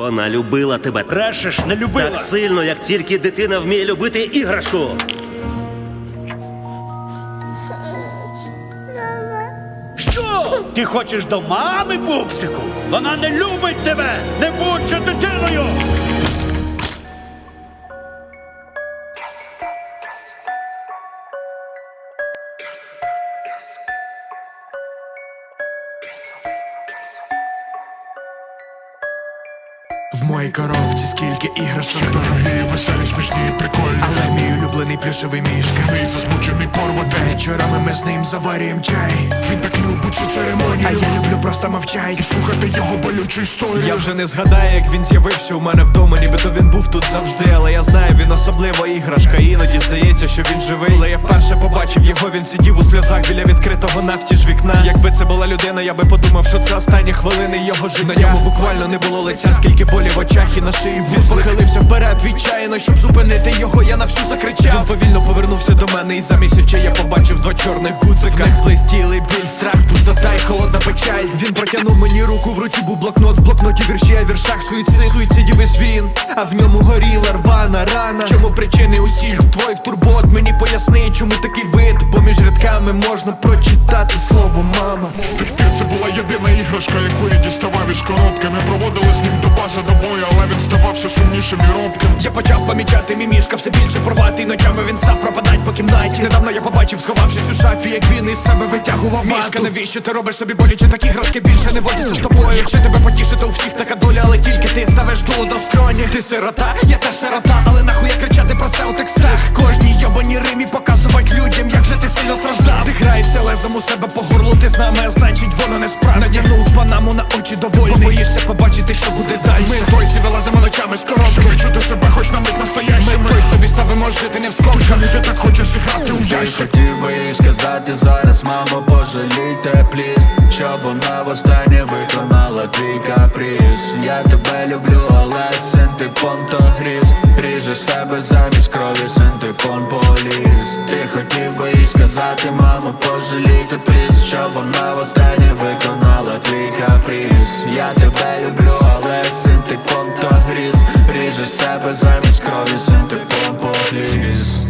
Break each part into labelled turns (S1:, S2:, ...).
S1: Вона любила тебе.
S2: Брешеш, не любила.
S1: Так сильно, як тільки дитина вміє любити іграшку.
S2: Що? Ти хочеш до мами, пупсику? Вона не любить тебе! Не будь же дитиною!
S3: В моїй коробці скільки іграшок, дорогі, веселі, смішні, прикольні. Але мій улюблений плюшевий мішка, мій засмучений порват. Вечорами ми з ним заварюємо чай. Він так любить цю церемонію, а я люблю просто мовчать і слухати його болючу історію.
S4: Я вже не згадаю, як він з'явився у мене вдома, нібито він був тут завжди. Але я знаю, він особлива іграшка. Іноді здається, що він живий. Але я вперше побачив його, він сидів у сльозах біля відкритого навтіж вікна. Якби це була людина, я би подумав, що це останні хвилини його життя. На ньому буквально не було лиця, скільки болі в очах і на шиї вузлик. Він похилився вперед відчаяно, щоб зупинити його, я на всю закричав. Він повільно повернувся до мене, і замість очей я побачив два чорних гудзика. В них блистіли біль, страх, пустота і холодна печаль. Він протягнув мені руку, в руці був блокнот. В блокноті вірші, а в віршах суїцидів весь він. А в ньому горіла рвана рана. Чому причини усіх твоїх турбот? Мені поясни, чому такий вид, бо між рядками можна прочитати слово мама.
S3: З тих пір це була єдина іграшка, яку я діставав із коробки. Ми проводили з ним до бази до бою, але він ставав все сумнішим і робким.
S4: Я почав помічати мімішка, все більше порвати, і ночами він став пропадать по кімнаті. Недавно я побачив, сховавшись у шафі, як він із себе витягував мішка. Навіщо ти робиш собі боляче, такі іграшки більше не водяться з тобою. Якщо тебе потішити, у всіх така доля, але тільки ти ставиш дуло до скроні. Ти сирота, я теж сирота, але нахуй я кричати про це у текстах. Кожній йобаній римі показувати людям, як же ти сильно страждав. Ти граєшся лезом у себе по горлу, ти з нами, а значить воно не справді. Надягнув панаму на очі довольний, бо боїшся побачити, що буде далі. Ми тойсі вилазимо ночами з коробки,
S3: щоб відчути себе хоч на мить настоящими.
S4: Ми той собі ставимо жити не в скобках.
S3: Чому ти так хочеш грати у ящик?
S5: Хотів би їй сказати зараз, мамо, пожалійте, пліз, щоб вона востаннє виконала твій каприз. Я тебе люблю, але синтепон то гріз. Ріжеш себе замість крові, синтепон поліз. Ти хотів би їй сказати, мамо, пожалійте, пліз, щоб вона востаннє виконала твій каприз. Я тебе люблю, але синтепон то гріз. Ріжеш себе замість крові, синтепон поліз.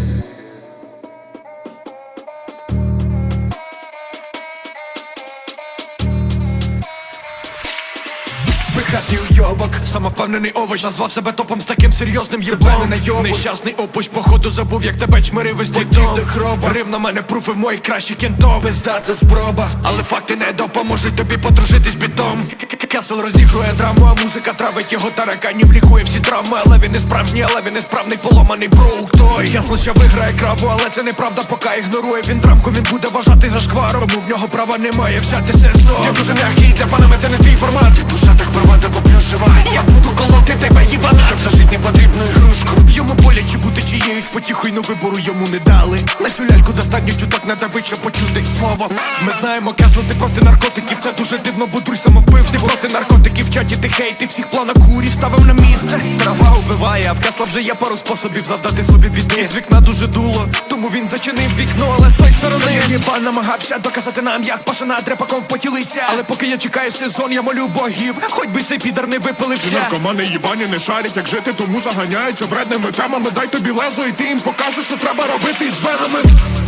S4: Пихатий уйобок, самовпевнений овоч, назвав себе топом з таким серйозним єблом. Нещасний опуч, походу забув, як тебе чмирив весь дідом. Рив на мене пруфи в моїх кращих кінтов. Здати спроба, але факти не допоможуть тобі подружитись бітом. Кесел розігрує драму, а музика травить його тараканів, лікує всі травми. Але він не справжній, але він не справний, поломаний брук той. Ясно, що виграє краву, але це неправда, поки ігнорує він драмку. Він буде вважати за шкваром, тому в нього права немає взяти сезон. Я дуже м'який, для панами це не твій формат. Душа так порвати поплюшива, я буду колоти тебе їбана, щоб зажить не потрібну ігрушку. Йому боляче бути чиєюсь потіхою, но вибору йому не дали. На цю ляльку достатньо чуток надавить, щоб почути слово. Ми знаємо, Кесло, ти проти наркотиків, це дуже дивно, бо друй самовбив. Ти проти наркотиків, в чаті ти хейт, ти всіх планок курів ставив на місце. Трава убиває, а в Кесла вже є пару способів завдати собі біди. З вікна дуже дуло, тому він зачинив вікно, але з той сторони єбан намагався доказати нам, як пашана дрепаком в поті лиця. Але поки я чекаю сезон, я молю богів, хоч би цей підар не випилився.
S3: Наркомани їбані не шарять, як жити, тому заганяються вредними темами. Дай тобі лезо, і ти їм покажеш, що треба робити із венами.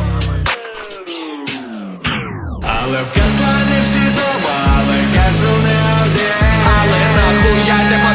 S5: Але в Кесла не всі дома, але Кесл не один.
S4: Але нахуй я не